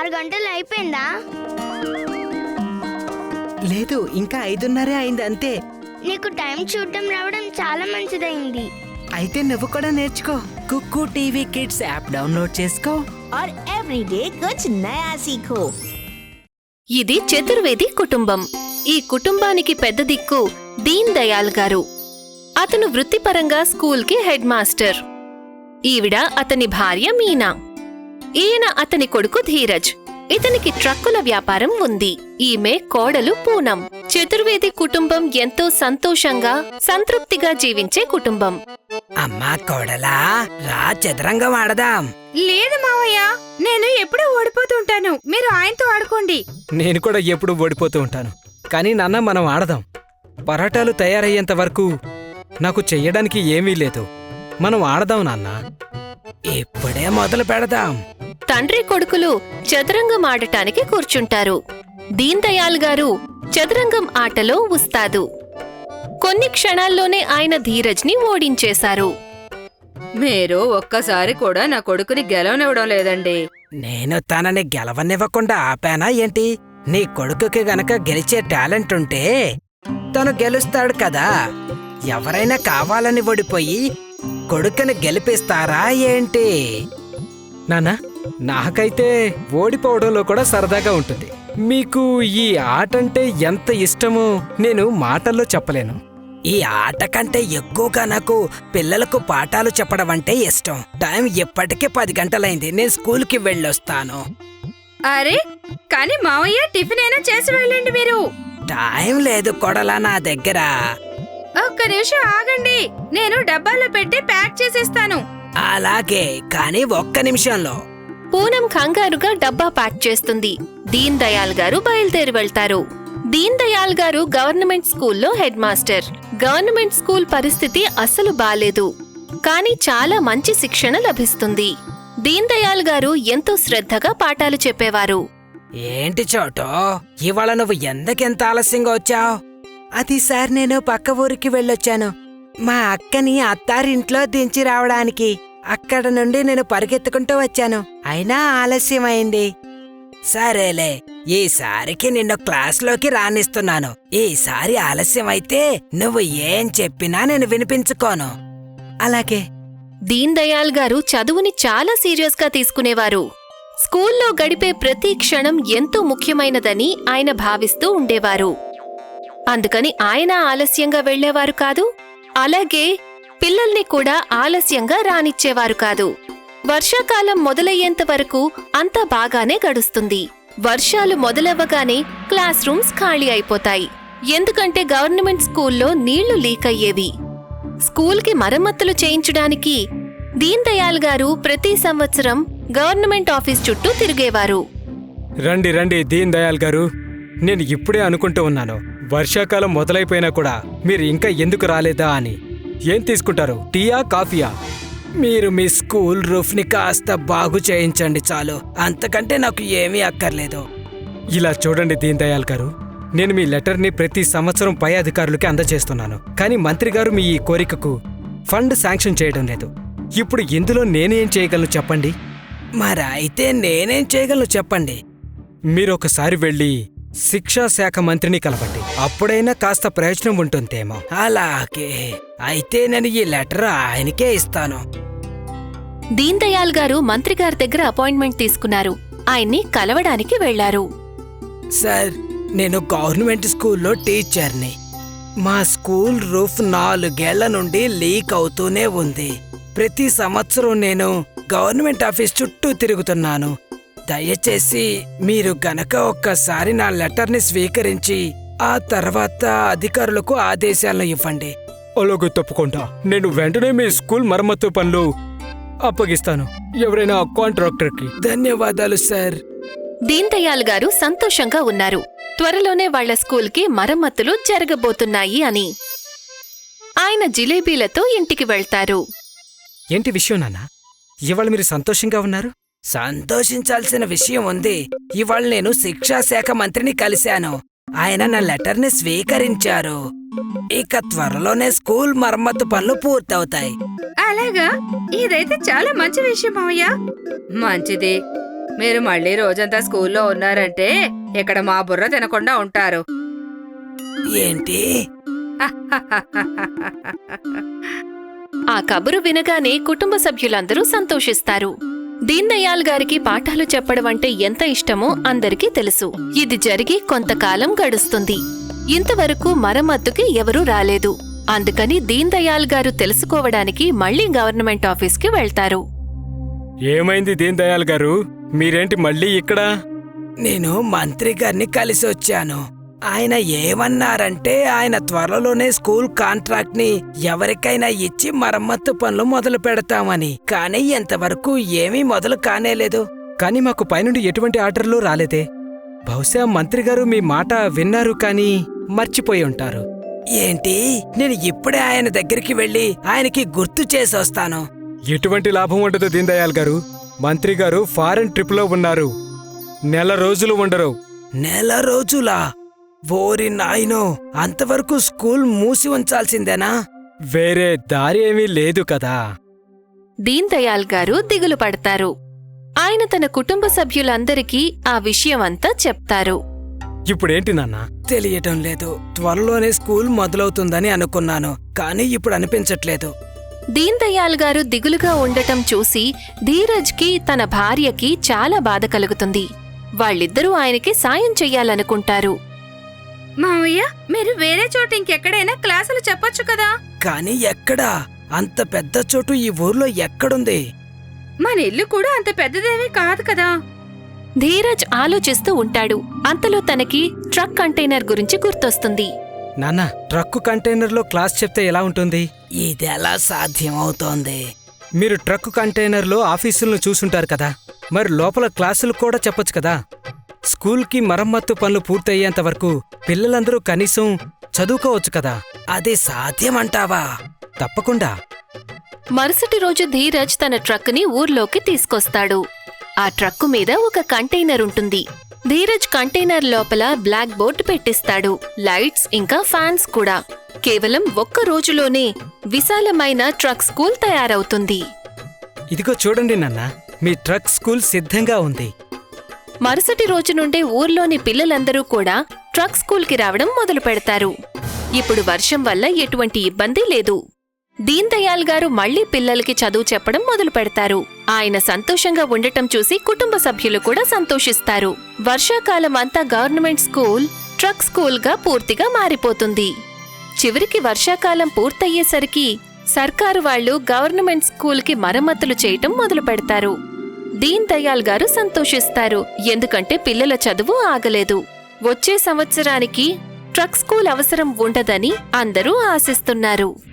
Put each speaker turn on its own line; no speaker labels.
6 గంటలు అయిపోయిందా?
లేదు, ఇంకా 5:30 అయింది అంతే.
నీకు టైం చూడటం రావడం చాలా మంచిదైంది.
అయితే నువ్వు కూడా నేర్చుకో. KooKoo TV kids app download చేసుకో.
और एवरीडे कुछ नया सीखो।
ఇది చతుర్వేది కుటుంబం. ఈ కుటుంబానికి పెద్ద దిక్కు దీన్ దయాల్ గారు. అతను వృత్తిపరంగా స్కూల్కి హెడ్ మాస్టర్. ఈవిడ అతని భార్య మీనా. ఈయన అతని కొడుకు ధీరజ్. ఇతనికి ట్రక్కుల వ్యాపారం ఉంది. ఈమె కోడలు పూనం. చతుర్వేది కుటుంబం ఎంతో సంతోషంగా సంతృప్తిగా జీవించే కుటుంబం.
అమ్మా కోడలా, రా చదరంగం ఆడదాం.
లేదు మావయ్య, నేను ఎప్పుడూ ఓడిపోతుంటాను. మీరు ఆయనతో ఆడుకోండి.
నేను కూడా ఎప్పుడు ఓడిపోతూ ఉంటాను. కానీ నాన్న, మనం ఆడదాం. పరాటాలు తయారయ్యేంత వరకు నాకు చెయ్యడానికి ఏమీ లేదు. మనం ఆడదాం నాన్న.
ఇప్పుడే మొదలు పెడదాం.
తండ్రి కొడుకులు చదరంగం ఆడటానికి కూర్చుంటారు. దీన్ దయాల్ గారు చదరంగం ఆటలో ఉస్తాదు. కొన్ని క్షణాల్లోనే ఆయన ధీరజ్ని ఓడించేశారు.
మీరు ఒక్కసారి కూడా నా కొడుకుని గెలవనివ్వడం లేదండి.
నేను తనని గెలవనివ్వకుండా ఆపానా ఏంటి? నీ కొడుకుకి గనక గెలిచే టాలెంట్ ఉంటే తను గెలుస్తాడు కదా. ఎవరైనా కావాలని ఓడిపోయి కొడుకుని గెలిపిస్తారా ఏంటి?
నాన్న, నాకైతే ఓడిపోవడంలో కూడా సరదాగా ఉంటుంది. మీకు ఈ ఆటంటే ఎంత ఇష్టమో నేను మాటల్లో చెప్పలేను.
ఈ ఆట కంటే ఎక్కువగా నాకు పిల్లలకు పాఠాలు చెప్పడం అంటే ఇష్టం. టైం ఇప్పటికే 10 గంటలైంది. నేను స్కూల్కి వెళ్ళొస్తాను.
అరే, కానీ మావయ్య టిఫిన్ అయినా చేసి వెళ్ళండి. మీరు
టైం లేదు కొడలా నా దగ్గర.
ఒక్క నిమిషం ఆగండి, నేను డబ్బాలో పెట్టి ప్యాక్ చేసేస్తాను.
అలాగే, కానీ ఒక్క నిమిషంలో.
పూనం కంగారుగా డబ్బా ప్యాక్ చేస్తుంది. దీన్ దయాల్ గారు బయలుదేరి వెళ్తారు. దీన్ దయాల్ గారు గవర్నమెంట్ స్కూల్లో హెడ్ మాస్టర్. గవర్నమెంట్ స్కూల్ పరిస్థితి అస్సలు బాలేదు. కానీ చాలా మంచి శిక్షణ లభిస్తుంది. దీన్ దయాల్ గారు ఎంతో శ్రద్ధగా పాఠాలు చెప్పేవారు.
ఏంటి చోటో, ఇవాళ నువ్వు ఎందుకెంత ఆలస్యంగా వచ్చావు? అది సార్, నేను పక్క ఊరికి వెళ్ళొచ్చాను. మా అక్కని అత్తారింట్లో దించి రావడానికి. అక్కడ నుండి నేను పరిగెత్తుకుంటూ వచ్చాను. అయినా ఆలస్యమైంది. సరేలే, ఈసారికి నిన్ను క్లాస్లోకి రానిస్తున్నాను. ఈసారి ఆలస్యమైతే నువ్వు ఏం చెప్పినా నేను వినిపించుకోను. అలాగే.
దీన్ దయాల్ గారు చదువుని చాలా సీరియస్గా తీసుకునేవారు. స్కూల్లో గడిపే ప్రతి క్షణం ఎంతో ముఖ్యమైనదని ఆయన భావిస్తూ ఉండేవారు. అందుకని ఆయన ఆలస్యంగా వెళ్లేవారు కాదు. అలాగే పిల్లల్ని కూడా ఆలస్యంగా రానిచ్చేవారు కాదు. వర్షాకాలం మొదలయ్యేంత వరకు అంతా బాగానే గడుస్తుంది. వర్షాలు మొదలవ్వగానే క్లాస్ రూమ్స్ ఖాళీ అయిపోతాయి. ఎందుకంటే గవర్నమెంట్ స్కూల్లో నీళ్లు లీక్ అయ్యేవి. స్కూల్కి మరమ్మతులు చేయించడానికి దీన్ దయాల్ గారు ప్రతి సంవత్సరం గవర్నమెంట్ ఆఫీస్ చుట్టూ తిరిగేవారు.
రండి రండి దీన్ దయాల్ గారు, నేను ఇప్పుడే అనుకుంటూ ఉన్నాను, వర్షాకాలం మొదలైపోయినా కూడా మీరు ఇంకా ఎందుకు రాలేదా అని. ఏం తీసుకుంటారు, టీయా కాఫీయా?
మీరు మీ స్కూల్ రూఫ్ని కాస్త బాగు చేయించండి చాలు. అంతకంటే నాకు ఏమీ అక్కర్లేదు.
ఇలా చూడండి దీన్ దయాల్ గారు, నేను మీ లెటర్ని ప్రతి సంవత్సరం పై అధికారులకి అందజేస్తున్నాను. కానీ మంత్రి గారు మీ ఈ కోరికకు ఫండ్ శాంక్షన్ చేయడం లేదు. ఇప్పుడు ఇందులో నేనేం చేయగలను చెప్పండి?
మరి అయితే నేనేం చేయగలను చెప్పండి?
మీరొకసారి వెళ్ళి శిక్షా శాఖ మంత్రిని కలవండి. అప్పుడైనా కాస్త ప్రయోజనం ఉంటుందేమో.
అలాగే, అయితే నేను ఈ లెటర్ ఆయనకే ఇస్తాను.
దీన్ దయాల్ గారు మంత్రి గారి దగ్గర అపాయింట్మెంట్ తీసుకున్నారు. ఆయన్ని కలవడానికి వెళ్లారు.
సార్, నేను గవర్నమెంట్ స్కూల్లో టీచర్ని. మా స్కూల్ రూఫ్ 4 ఏళ్ల నుండి లీక్ అవుతూనే ఉంది. ప్రతి సంవత్సరం నేను గవర్నమెంట్ ఆఫీస్ చుట్టూ తిరుగుతున్నాను. దయచేసి మీరు గనక ఒక్కసారి నా లెటర్ని స్వీకరించి ఆ తర్వాత అధికారులకు ఆదేశాలను ఇవ్వండి.
అలాగే, తప్పకుండా. నేను వెంటనే మీ స్కూల్ మరమ్మతు పనులు అప్పగిస్తాను ఎవరైనా కాంట్రాక్టర్కి.
ధన్యవాదాలు సార్.
దీన్ దయాల్ గారు సంతోషంగా ఉన్నారు. త్వరలోనే వాళ్ల స్కూల్కి మరమ్మతులు జరగబోతున్నాయి అని. ఆయన జిలేబీలతో ఇంటికి వెళ్తారు.
ఏంటి విషయం నాన్న, ఇవాళ మీరు సంతోషంగా ఉన్నారు?
సంతోషించాల్సిన విషయం ఉంది. ఇవాళ నేను శిక్షాశాఖ మంత్రిని కలిశాను. ఆయన నా లెటర్ని స్వీకరించారు. ఇక త్వరలోనే స్కూల్ మరమ్మతు పనులు పూర్తవుతాయి.
అలాగా, ఇదైతే చాలా మంచి విషయం మావయ్య. మంచిది, మీరు మళ్ళీ రోజంతా స్కూల్లో ఉన్నారంటే ఇక్కడ మా బుర్ర తినకుండా ఉంటారు.
ఏంటి?
ఆ కబురు వినగానే కుటుంబ సభ్యులందరూ సంతోషిస్తారు. దీన్ దయాల్ గారికి పాఠాలు చెప్పడం అంటే ఎంత ఇష్టమో అందరికీ తెలుసు. ఇది జరిగి కొంతకాలం గడుస్తుంది. ఇంతవరకు మరమ్మతుకి ఎవరూ రాలేదు. అందుకని దీన్ దయాల్ గారు తెలుసుకోవడానికి మళ్లీ గవర్నమెంట్ ఆఫీస్కి వెళ్తారు.
ఏమైంది దీన్ దయాల్ గారు, మీరేంటి మళ్ళీ ఇక్కడ?
నేను మంత్రి గారిని కలిసి వచ్చాను. ఆయన ఏమన్నారంటే ఆయన త్వరలోనే స్కూల్ కాంట్రాక్ట్ ని ఎవరికైనా ఇచ్చి మరమ్మత్తు పనులు మొదలు పెడతామని. కానీ ఇంతవరకు ఏమీ మొదలు కానేలేదు.
కానీ మాకు పైనుండి ఎటువంటి ఆర్డర్లు రాలేదే. బహుశా మంత్రి గారు మీ మాట విన్నారు కానీ మర్చిపోయి ఉంటారు.
ఏంటి? నేను ఇప్పుడే ఆయన దగ్గరికి వెళ్ళి ఆయనకి గుర్తు చేసొస్తాను.
ఎటువంటి లాభం ఉండదు దీన్ దయాల్ గారు. మంత్రి గారు ఫారెన్ ట్రిప్ లో ఉన్నారు. నెల రోజులు ఉండరు.
నెల రోజులా? ఓరి నాయనో, అంతవరకు స్కూల్ మూసి ఉంచాల్సిందేనా?
వేరే దారి ఏమీ లేదు కదా.
దీన్ దయాల్ గారు దిగులు పడతారు. ఆయన తన కుటుంబ సభ్యులందరికీ ఆ విషయమంతా చెప్తారు.
ఇప్పుడేంటి నాన్న?
తెలియటం లేదు. త్వరలోనే స్కూల్ మొదలవుతుందని అనుకున్నాను, కానీ ఇప్పుడు అనిపించట్లేదు.
దీన్ దయాల్ గారు దిగులుగా ఉండటం చూసి ధీరజ్కి తన భార్యకి చాలా బాధ కలుగుతుంది. వాళ్ళిద్దరూ ఆయనకి సాయం చెయ్యాలనుకుంటారు.
మావయ్య, మీరు వేరే చోట ఇంకెక్కడైనా క్లాసులు చెప్పొచ్చు కదా.
కానీ ఎక్కడా? అంత పెద్ద చోటు ఈ ఊర్లో ఎక్కడుంది?
మన ఇల్లు కూడా అంత పెద్దదేమీ కాదు కదా.
ధీరజ్ ఆలోచిస్తూ ఉంటాడు. అంతలో తనకి ట్రక్ కంటైనర్ గురించి గుర్తొస్తుంది.
నాన్న, ట్రక్కు కంటైనర్లో క్లాస్ చెప్తే ఎలా ఉంటుంది?
ఇదెలా సాధ్యమవుతోంది?
మీరు ట్రక్కు కంటైనర్లో ఆఫీసులను చూసుంటారు కదా, మరి లోపల క్లాసులు కూడా చెప్పొచ్చు కదా. స్కూల్కి మరమ్మత్తు పనులు పూర్తయ్యేంత వరకు పిల్లలందరూ కనీసం చదువుకోవచ్చు కదా.
అది సాధ్యమంటావా?
తప్పకుండా.
మరుసటి రోజు ధీరజ్ తన ట్రక్కుని ఊర్లోకి తీసుకొస్తాడు. ఆ ట్రక్కు మీద ఒక కంటైనర్ ఉంటుంది. ధీరజ్ కంటైనర్ లోపల బ్లాక్ బోర్డు పెట్టిస్తాడు. లైట్స్ ఇంకా ఫ్యాన్స్ కూడా. కేవలం ఒక్క రోజులోనే విశాలమైన ట్రక్ స్కూల్ తయారవుతుంది.
ఇదిగో చూడండి నాన్న, మీ ట్రక్ స్కూల్ సిద్ధంగా ఉంది.
మరుసటి రోజు నుండే ఊర్లోని పిల్లలందరూ కూడా ట్రక్ స్కూల్కి రావడం మొదలు పెడతారు. ఇప్పుడు వర్షం వల్ల ఎటువంటి ఇబ్బంది లేదు. దీన్ దయాల్ గారు మళ్లీ పిల్లలకి చదువు చెప్పడం మొదలు పెడతారు. ఆయన సంతోషంగా ఉండటం చూసి కుటుంబ సభ్యులు కూడా సంతోషిస్తారు. వర్షాకాలం అంతా గవర్నమెంట్ స్కూల్ ట్రక్ స్కూల్గా పూర్తిగా మారిపోతుంది. చివరికి వర్షాకాలం పూర్తయ్యేసరికి సర్కారు వాళ్లు గవర్నమెంట్ స్కూల్కి మరమ్మతులు చేయటం మొదలు పెడతారు. దీన్ దయాల్ గారు సంతోషిస్తారు, ఎందుకంటే పిల్లల చదువు ఆగలేదు. వచ్చే సంవత్సరానికి ట్రక్ స్కూల్ అవసరం ఉండదని అందరూ ఆశిస్తున్నారు.